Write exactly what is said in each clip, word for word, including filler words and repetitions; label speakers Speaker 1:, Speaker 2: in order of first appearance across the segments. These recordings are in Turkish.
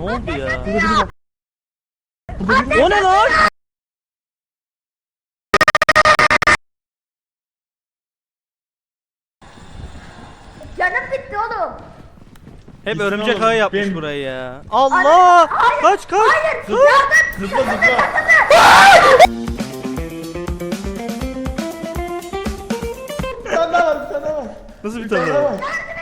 Speaker 1: Ne oldu ya? O ne lan?
Speaker 2: Canım bitti oğlum.
Speaker 1: Hep
Speaker 3: Gitsin
Speaker 1: örümcek
Speaker 3: oğlum,
Speaker 1: ağı yapmış
Speaker 3: benim-
Speaker 1: burayı ya. Allah! Kaç kaç!
Speaker 2: Hayır.
Speaker 1: Dur.
Speaker 3: Zıpla zıpla. Bir tane daha var, bir tane daha var.
Speaker 1: Nasıl bir
Speaker 3: Bir
Speaker 1: tane
Speaker 3: tane daha
Speaker 1: var?
Speaker 3: var.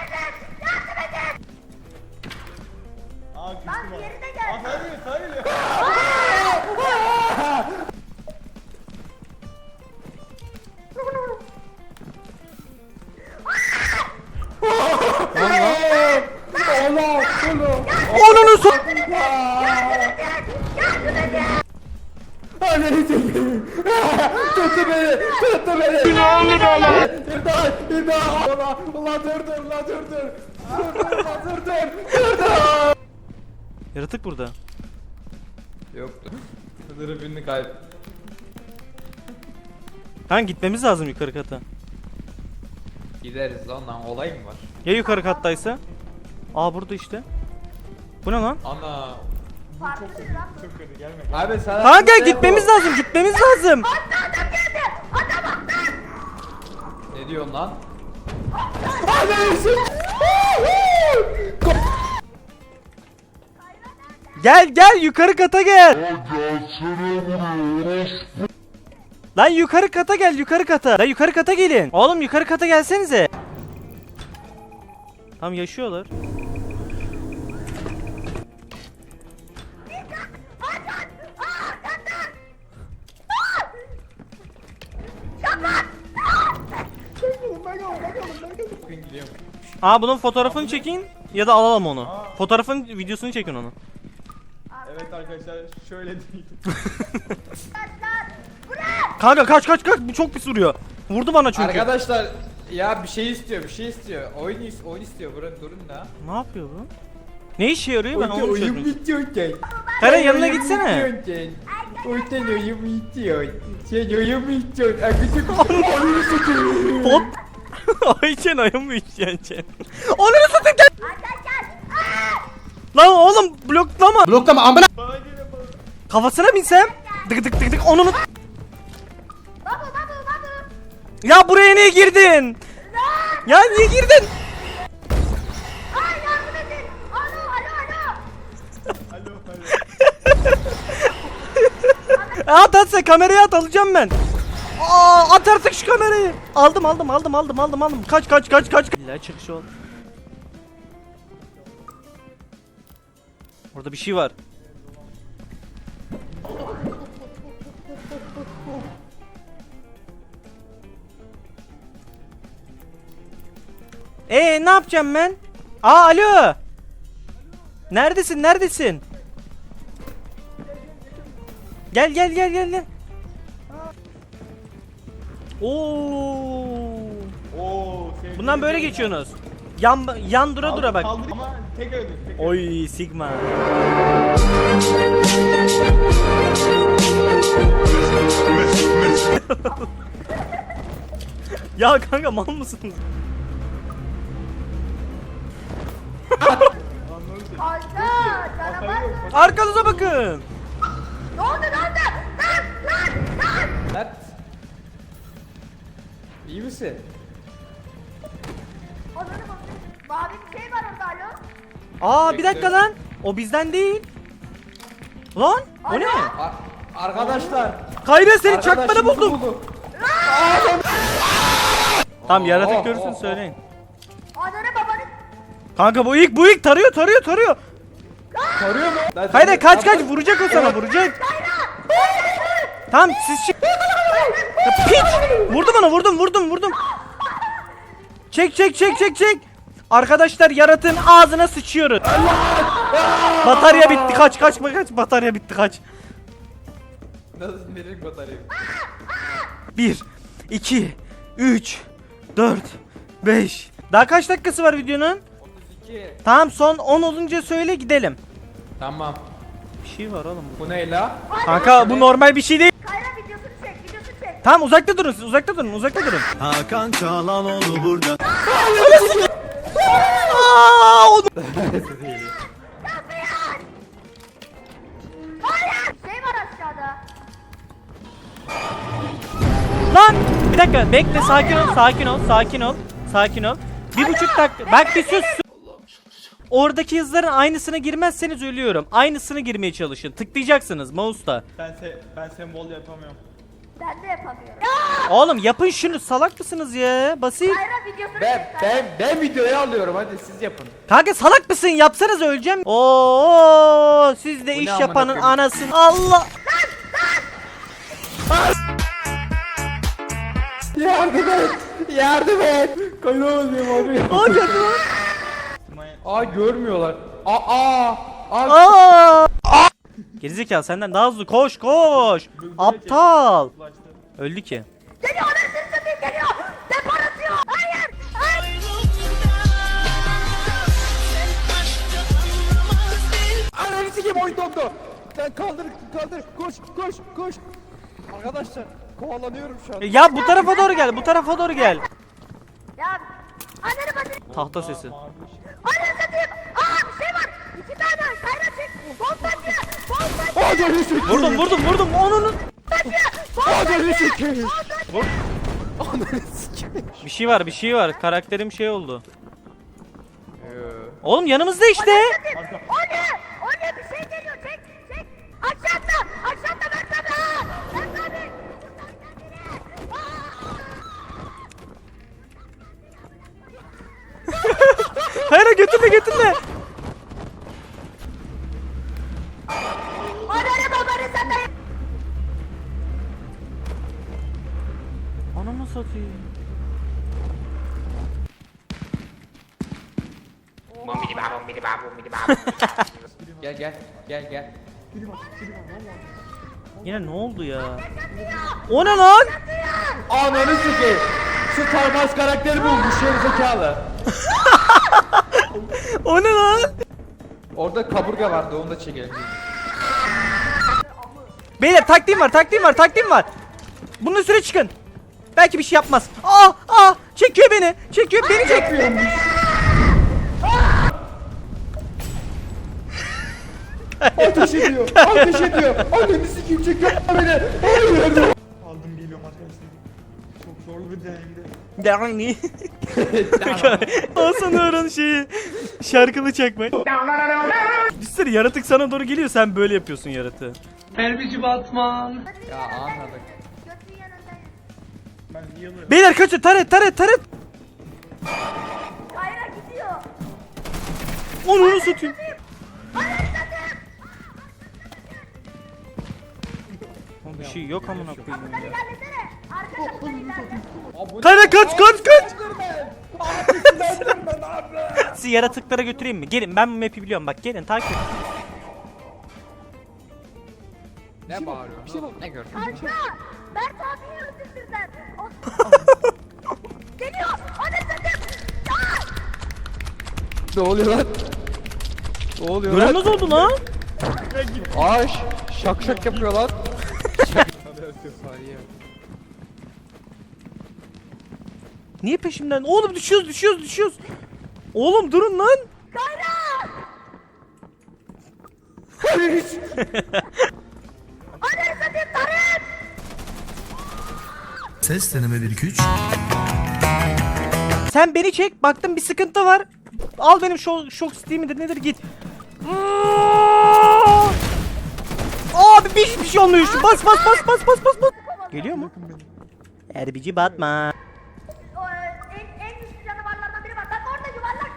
Speaker 3: Aa, küstüm
Speaker 2: Lan
Speaker 3: ha.
Speaker 2: diğeri de gel.
Speaker 3: Aa, sana geliyor, sana geliyor.
Speaker 1: Onunu so...
Speaker 3: Anneni çekeyim. Tuttu beni, tuttu beni. Ne oldu bana? İmdat, imdat. Ulan, ulan dur dur, ulan dur dur. Dur dur, ulan dur dur. Dur dur.
Speaker 1: Yaratık burada.
Speaker 3: Yoktu. Sınırı birini kayıp.
Speaker 1: Kanka gitmemiz lazım yukarı kata.
Speaker 4: Gideriz ondan olay mı var?
Speaker 1: Ya yukarı kattaysa? Aa burada işte. Bu ne lan?
Speaker 4: Ana.
Speaker 2: Farklı bir lan.
Speaker 3: Çok kötü, gelme. gelme.
Speaker 4: Abi sana
Speaker 1: Kanka
Speaker 4: kimse
Speaker 1: gitmemiz
Speaker 4: bu.
Speaker 1: lazım, gitmemiz lazım.
Speaker 4: Ne diyorsun lan?
Speaker 1: Gel gel yukarı kata gel. Lan yukarı kata gel, yukarı kata. Lan yukarı kata gelin. Oğlum yukarı kata gelsenize. Tam yaşıyorlar.
Speaker 4: Bugün gidiyorum.
Speaker 1: Aa bunun fotoğrafını çekin ya da alalım onu. Fotoğrafın videosunu çekin onu.
Speaker 3: Evet arkadaşlar, şöyle değil.
Speaker 1: Kanka kaç kaç kaç, bu çok pis vuruyor. Vurdu bana çünkü.
Speaker 4: Arkadaşlar ya bir şey istiyor, bir şey istiyor. Oyun is oyun istiyor. Durun durun da.
Speaker 1: Ne yapıyor bu? Ne işe yarıyor ben onu
Speaker 3: Oyun
Speaker 1: çözmüyorum.
Speaker 3: bitiyor ki.
Speaker 1: Karen yanına gitsene.
Speaker 3: Oyun oyun bitiyor. Sen oyun bitiyor. Akıcı oyunu sıkıyor.
Speaker 1: Pot. Ayçen ayı mı içeceksin? Onları satın gel. Lan oğlum bloklama.
Speaker 5: Bloklama amına.
Speaker 3: Bana geliyor bana.
Speaker 1: Kafasına binsem. Dık dık dık dık onu.
Speaker 2: Babu babu babu.
Speaker 1: Ya buraya niye girdin? Ya niye girdin?
Speaker 2: Ay yardım edin. Alo alo alo.
Speaker 3: Alo alo.
Speaker 1: At at sen kamerayı at, alacağım ben. Aa, at artık şu kamerayı. Aldım aldım aldım aldım aldım aldım. Kaç kaç kaç kaç. İlla çıkış ol. Orada bir şey var. Ee ne yapacağım ben? Aa alo. Neredesin neredesin? Gel gel gel gel gel. Oo.
Speaker 3: Oo, sevgili
Speaker 1: Bundan böyle
Speaker 3: sevgili.
Speaker 1: geçiyorsunuz. Yan yan dura dura bak.
Speaker 3: Kaldır ama tek öldür. Tek öldür.
Speaker 1: Oy Sigma. Ya kanka mal mısınız?
Speaker 2: Kanka canavar mı?
Speaker 1: Arkanıza bakın.
Speaker 2: Ne oldu ne oldu? Lan lan lan.
Speaker 4: Lan. İyi misin?
Speaker 2: Onları bakın. Mavi bir şey var orada alo.
Speaker 1: Aa bir dakika lan. O bizden değil. Lan o ne?
Speaker 4: Ar- arkadaşlar.
Speaker 1: Kayra seni
Speaker 4: arkadaşımızı
Speaker 1: çakmada buldum.
Speaker 4: bulduk.
Speaker 1: Tamam yaratık
Speaker 4: Oh,
Speaker 1: görürsün
Speaker 4: oh, oh.
Speaker 1: söyleyin.
Speaker 2: Ananı babanı.
Speaker 1: Kanka bu ilk bu ilk tarıyor tarıyor tarıyor.
Speaker 4: Soruyor mu? Lan
Speaker 1: Hayır
Speaker 4: seni-
Speaker 1: kaç kaç
Speaker 4: Lan-
Speaker 1: vuracak o sana vuracak. Tamam siz çık. Ya, piç. Vurdu bana vurdum vurdum vurdum. Çek çek çek çek çek. Arkadaşlar yaratığın ağzına sıçıyoruz. Batarya bitti kaç kaç kaç batarya bitti kaç.
Speaker 4: Nasıl nereye batarya?
Speaker 1: bir iki üç dört beş. Daha kaç dakikası var videonun?
Speaker 4: otuz iki.
Speaker 1: Tamam son on olunca söyle gidelim.
Speaker 4: Tamam.
Speaker 1: Bir şey var oğlum bu.
Speaker 4: Bu ne la?
Speaker 1: Kanka bu normal bir şey değil.
Speaker 2: Kayra videosunu çek videosunu çek.
Speaker 1: Tamam uzakta durun siz uzakta durun uzakta durun.
Speaker 5: Hakan Çalhanoğlu burada.
Speaker 1: Aa, o- dakika bekle, sakin ol, sakin ol, sakin ol, sakin ol. Bir buçuk dakika. Bak bir sus. sus. Oradaki hızların aynısına girmezseniz ölüyorum. Aynısını girmeye çalışın. Tıklayacaksınız mouse'la.
Speaker 3: Ben se ben sembol yapamıyorum.
Speaker 2: Ben de yapamıyorum.
Speaker 1: Oğlum yapın şunu, salak mısınız ya? Basit.
Speaker 2: Kayra videosunu
Speaker 4: Ben
Speaker 2: çek.
Speaker 4: ben ben videoyu alıyorum, hadi siz yapın.
Speaker 1: Kanka salak mısın? Yapsanız öleceğim. Oo, siz de
Speaker 4: Bu ne
Speaker 1: iş
Speaker 4: amına
Speaker 1: yapanın
Speaker 4: koyayım?
Speaker 1: anasını. Allah.
Speaker 3: Yardım et! Yardım et! Kaynamayayım abi.
Speaker 1: Aa geldi lan.
Speaker 4: Aa görmüyorlar. Aa aa.
Speaker 1: Aa! Gerizekalı senden daha hızlı koş koş. Aptal. Öldü ki.
Speaker 2: Geliyor anasını satayım geliyor. Depar atıyor. Hayır. Hayır.
Speaker 3: Ananı sikeyim, oyun dondu. Sen kaldır kaldır koş koş koş. Arkadaşlar kovalanıyorum şu an.
Speaker 1: Ya bu tarafa doğru gel. Bu tarafa doğru gel.
Speaker 2: Ya. Ananı batırayım.
Speaker 1: Tahta sesi.
Speaker 2: Ananı satayım. Aa bir şey var. İki tane. Kayra çek. Bombacı. Bombacı.
Speaker 3: Ananı sikeyim.
Speaker 1: Vurdum vurdum vurdum. Onun.
Speaker 3: Ananı sikeyim.
Speaker 1: Vur.
Speaker 3: Ananı sikeyim.
Speaker 1: Bir şey var, bir şey var. Karakterim şey oldu.
Speaker 4: Ee,
Speaker 1: Oğlum yanımızda işte.
Speaker 2: O ne? O ne? Bir şey geliyor. Çek. Çek. Aşağıda. Aşağıda Mert abi. Aa, Mert abi.
Speaker 1: Hayır götürme götürme.
Speaker 2: Ananı babanı satayım.
Speaker 1: Anamı satayım.
Speaker 4: gel gel gel gel.
Speaker 1: Yine ne oldu ya? O ne lan?
Speaker 3: Ananı sikeyim. Şu Tarmaz karakteri bulmuş gerizekalı.
Speaker 1: O ne lan?
Speaker 4: Orada kaburga vardı, onu da çekelim.
Speaker 1: Beyler taktiğim var, taktiğim var, taktiğim var. Bunun üstüne çıkın. Belki bir şey yapmaz. Aa, aa, çekiyor beni. Çekiyor, beni çekiyor.
Speaker 3: Ateş ediyor. Ateş ediyor. Ananı sikeyim, çekiyor beni. Hayır. Aldım geliyorum arkadaşlar. Çok zorlu bir deneyimdi.
Speaker 1: Yani. O sanıyorum şeyi. Şarkılı çekmek. Düşünsene yaratık sana doğru geliyor, sen böyle yapıyorsun yaratığı.
Speaker 4: Ya anladık.
Speaker 2: Götün yanındayım.
Speaker 3: Ben niye alıyorum?
Speaker 1: Beyler kaçın, taret taret taret.
Speaker 2: Kayra gidiyor.
Speaker 1: Onu satayım. Oğlum bir şey yok amına koyayım
Speaker 2: Kapıdan
Speaker 1: ya.
Speaker 2: ilerlesene. Arka kapıdan ilerle.
Speaker 1: Kayra kaç kaç kaç.
Speaker 3: Ben abi.
Speaker 1: Sizi yaratıklara götüreyim mi? Gelin, ben bu map'i biliyorum, bak gelin takip et.
Speaker 4: Ne bağırıyorsun? Ne gördün?
Speaker 2: Kanka. Mert abiyi öldürdüler. Geliyor. Ananı satayım.
Speaker 3: Ne oluyor lan? Ne oluyor lan?
Speaker 1: Görünmez oldu lan.
Speaker 3: Ay şak şak yapıyor lan.
Speaker 1: Niye peşimden? Oğlum düşüyoruz düşüyoruz düşüyoruz. Oğlum durun lan.
Speaker 2: Kayra. Ananı satayım Tarık.
Speaker 5: Ses deneme bir iki üç.
Speaker 1: Sen beni çek. Baktım bir sıkıntı var. Al benim şok, şok steam'idir nedir git. Abi bir, bir şey olmuyor. Şu bas bas bas bas bas bas bas. Geliyor mu? Erbici batma.
Speaker 2: O, en, en güçlü canavarlardan biri var. Bak orada yuvarlak.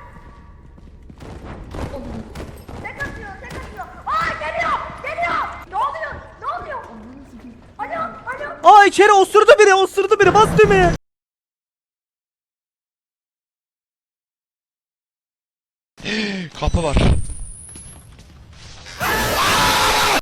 Speaker 2: Tek atıyor, tek atıyor. Aa geliyor, geliyor. Ne oluyor? Ne oluyor? Alo, alo.
Speaker 1: Aa içeri osurdu biri osurdu biri bas düğmeye.
Speaker 6: Kapı var.